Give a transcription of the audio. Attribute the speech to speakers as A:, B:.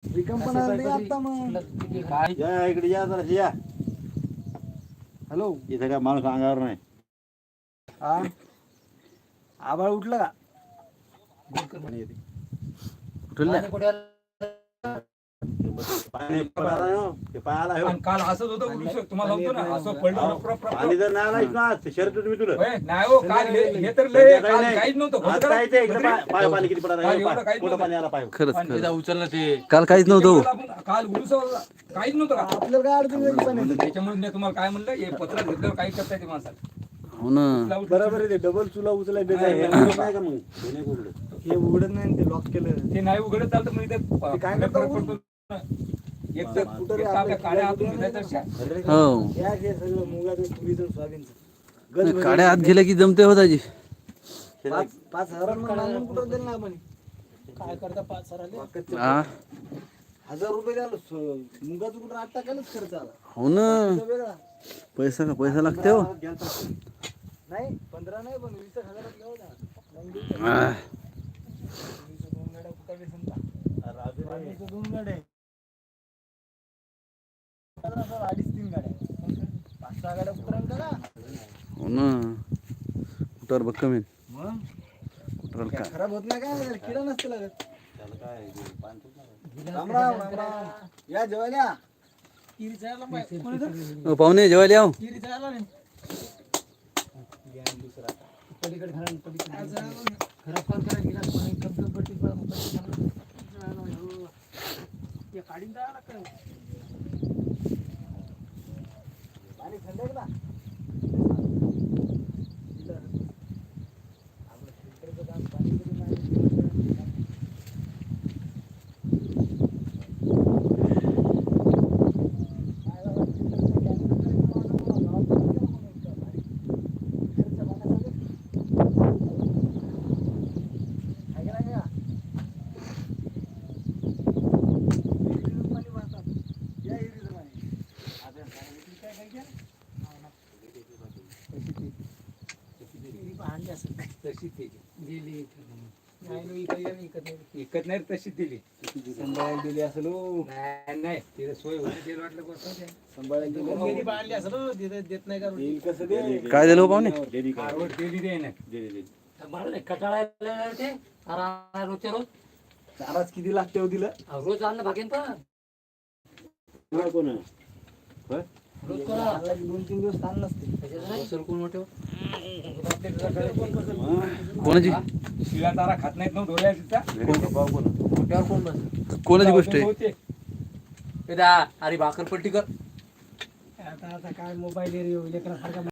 A: या इकडे या जरा या.
B: हॅलो,
A: इथं काय माणूस अंगावर नाही.
B: हा आभाळ उठलं का?
A: पाणी पडायला नाही हो. ते पायाला हो.
C: काल असंच होतं उडूस तुम्हाला होतो ना असं पडलं
A: पाणी जर नाही आलं ना शर्ट तुम्ही तुला
C: नाही हो काल हे तर लय काल काहीच नव्हतं
A: आज काय ते इकडे पाय पाणी किती पडायला
C: काल एवढं काहीच
A: कुठं पाणी आला पाय
D: खरंच
C: उचललं ते
D: काल काहीच नव्हतं.
C: काल उडूस काहीच नव्हतं का
B: आपल्याला काय अडचण नाही पाण्याची.
C: त्याच्यामुळे मी तुम्हाला काय म्हणलं हे पत्र घेतल्यावर काही करता येते माणसाला
D: हो ना.
B: बरोबर आहे, ते डबल चुला उचलाय
A: नाही का मग हे नाही उघडलं.
B: हे उघडत नाही, ते लॉक केलं.
C: ते नाही उघडत चालतं मग
B: ते काय
C: इथे
B: करता
C: फरक पडतो ना. एक तर आपल्या काड्या हातून घेतल्या तर
D: हो
B: या हे सगळं मुगाचं तुरीचं सोयाबीनचं
D: काड्या आत गेल्या की जमते होताची.
B: 5,000 मागून कुठं दिलं ना आपण? काय करता 5,000
D: हा
B: 1,000 रुपये द्याल मुगाचं कुठं 8 टाकायलाच खर्च आला.
D: हो ना.
B: तो वेगळा
D: पैसा लागते हो.
B: नाही 15 नाही पण 20,000 घेऊ ना.
D: आ,
B: 2 गाड्या कुठे समजा 2 गाड्या 2.5-3 गाड्या 5-6 गाड्या कुठं का?
D: हो ना. कुठवर भक्कम आहे.
B: मग
D: कुठवर काय
B: खराब होत नाही काय, किडा नसते लागत.
A: त्याला काय पाणी
B: राम राम राम राम. या जेवायला
D: हो, पाहुणे जेवायला याव.
B: पाणी थंड आहे का? आपलं फिल्टरचं काम पाणी कधी नाही.
C: इकत नाही तशी दिली
B: संभाळायला दिली असेल हो.
C: नाही तिला सोय होती तेल वाटलं बस
B: संभाळायला दिली देत नाही का? देईल कसं दे?
D: काय झालं हो पाहुणे?
A: डेली काय
C: कारवड दिली दे ना
A: डेली
E: कटाळायला ते रोजच्या रोज
B: चाराच किती लागते हो तिला?
E: रोज आणलं भागेन पण
A: कोण आहे? होय?
E: रोज करा
B: 2-3 दिवस ताण नसते.
E: सर कोण मोठे
D: कोणाची
C: शिळा तारा खात नाहीत ना डोळ्या तिचा
E: मोठ्यावर कोण बस
D: कोणाची गोष्ट आहे?
E: अरे भाकर पलटी कर
B: आता काय मोबाईल लेकरासारखा